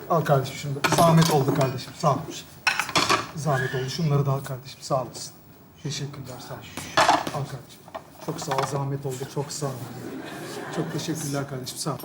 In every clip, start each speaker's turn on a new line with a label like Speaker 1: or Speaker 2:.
Speaker 1: Al kardeşim şunu da. Zahmet oldu kardeşim. Sağ ol. Zahmet oldu. Şunları da al kardeşim. Sağ olasın. Teşekkürler. Sağ ol. Al kardeşim. Çok sağ ol. Zahmet oldu. Çok sağ ol. Çok teşekkürler kardeşim. Sağ ol.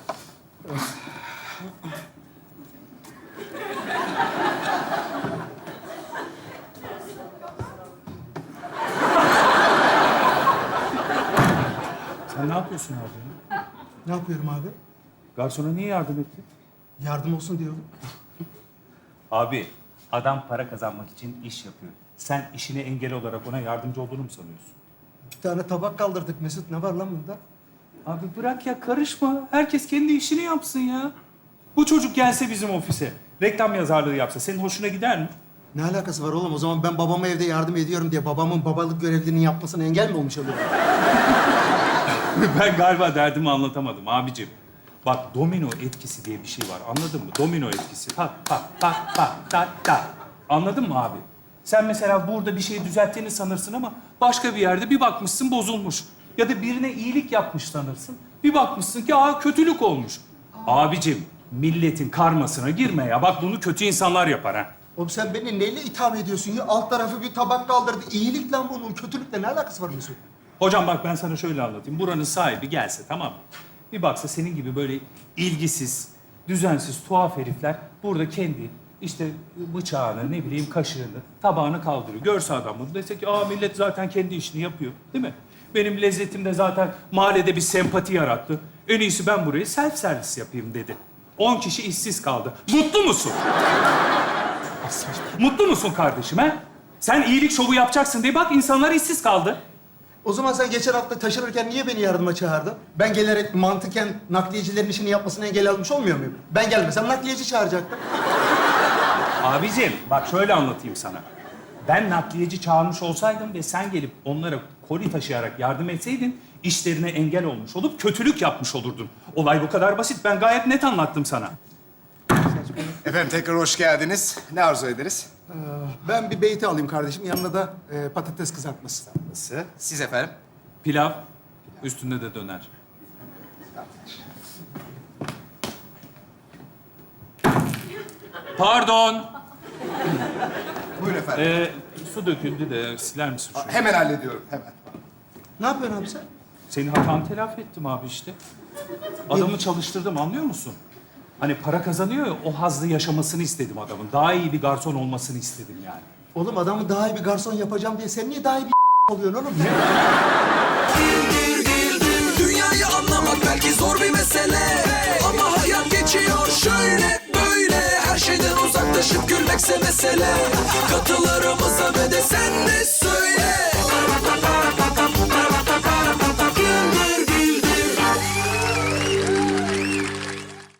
Speaker 2: Sen ne yapıyorsun abi?
Speaker 1: Ne yapıyorum abi?
Speaker 2: Garsona niye yardım ettin?
Speaker 1: Yardım olsun diyorum.
Speaker 2: Abi, adam para kazanmak için iş yapıyor. Sen işine engel olarak ona yardımcı olduğunu mu sanıyorsun?
Speaker 1: Bir tane tabak kaldırdık Mesut. Ne var lan bunda?
Speaker 2: Abi bırak ya, karışma. Herkes kendi işini yapsın ya. Bu çocuk gelse bizim ofise, reklam yazarlığı yapsa senin hoşuna gider mi?
Speaker 1: Ne alakası var oğlum? O zaman ben babama evde yardım ediyorum diye babamın babalık görevlerini yapmasına engel mi olmuş oluyorum?
Speaker 2: Ben galiba derdimi anlatamadım abicim. Bak, domino etkisi diye bir şey var. Anladın mı? Domino etkisi. Tak tak tak tak tak tak. Anladın mı abi? Sen mesela burada bir şeyi düzelttiğini sanırsın ama başka bir yerde bir bakmışsın bozulmuş. Ya da birine iyilik yapmış sanırsın. Bir bakmışsın ki kötülük olmuş. Abicim, milletin karmasına girme ya. Bak, bunu kötü insanlar yapar ha.
Speaker 1: Oğlum sen beni neyle itham ediyorsun ya? Alt tarafı bir tabak kaldırdı. İyilik lan bunun. Kötülükle ne alakası var Mesut?
Speaker 2: Hocam bak, ben sana şöyle anlatayım. Buranın sahibi gelse, tamam mı? Bir baksa senin gibi böyle ilgisiz, düzensiz, tuhaf herifler burada kendi işte bıçağını, ne bileyim kaşığını, tabağını kaldırıyor. Görse adam bunu dese ki millet zaten kendi işini yapıyor, değil mi? Benim lezzetim de zaten mahallede bir sempati yarattı. En iyisi ben burayı self servis yapayım dedi. 10 kişi işsiz kaldı. Mutlu musun? Mutlu musun kardeşim ha? Sen iyilik şovu yapacaksın diye bak insanlar işsiz kaldı.
Speaker 1: O zaman sen geçen hafta taşınırken niye beni yardıma çağırdın? Ben gelerek mantıken nakliyecilerin işini yapmasına engel almış olmuyor muyum? Ben gelmesem nakliyeci çağıracaktım.
Speaker 2: Abicim bak, şöyle anlatayım sana. Ben nakliyeci çağırmış olsaydım ve sen gelip onlara koli taşıyarak yardım etseydin işlerine engel olmuş olup kötülük yapmış olurdun. Olay bu kadar basit. Ben gayet net anlattım sana.
Speaker 3: Efendim tekrar hoş geldiniz. Ne arzu ederiz?
Speaker 1: Ben bir beyti alayım kardeşim. Yanına da patates kızartması.
Speaker 3: Nasıl? Siz efendim?
Speaker 2: Pilav, üstünde de döner. Pardon.
Speaker 3: Buyurun efendim.
Speaker 2: Su döküldü de siler misin şunu?
Speaker 3: Hemen hallediyorum, hemen.
Speaker 1: Ne yapıyorsun abi sen?
Speaker 2: Senin hatanı telafi ettim abi işte. Adamı çalıştırdım, anlıyor musun? Hani para kazanıyor ya, o hazzı yaşamasını istedim adamın. Daha iyi bir garson olmasını istedim yani.
Speaker 1: Oğlum adamı daha iyi bir garson yapacağım diye sen niye daha iyi bir oluyorsun oğlum?
Speaker 4: Dünyayı anlamak belki zor bir mesele, ama hayat geçiyor şöyle böyle. Her şeyden uzaklaşıp gülmekse mesele. Katılarımıza ve de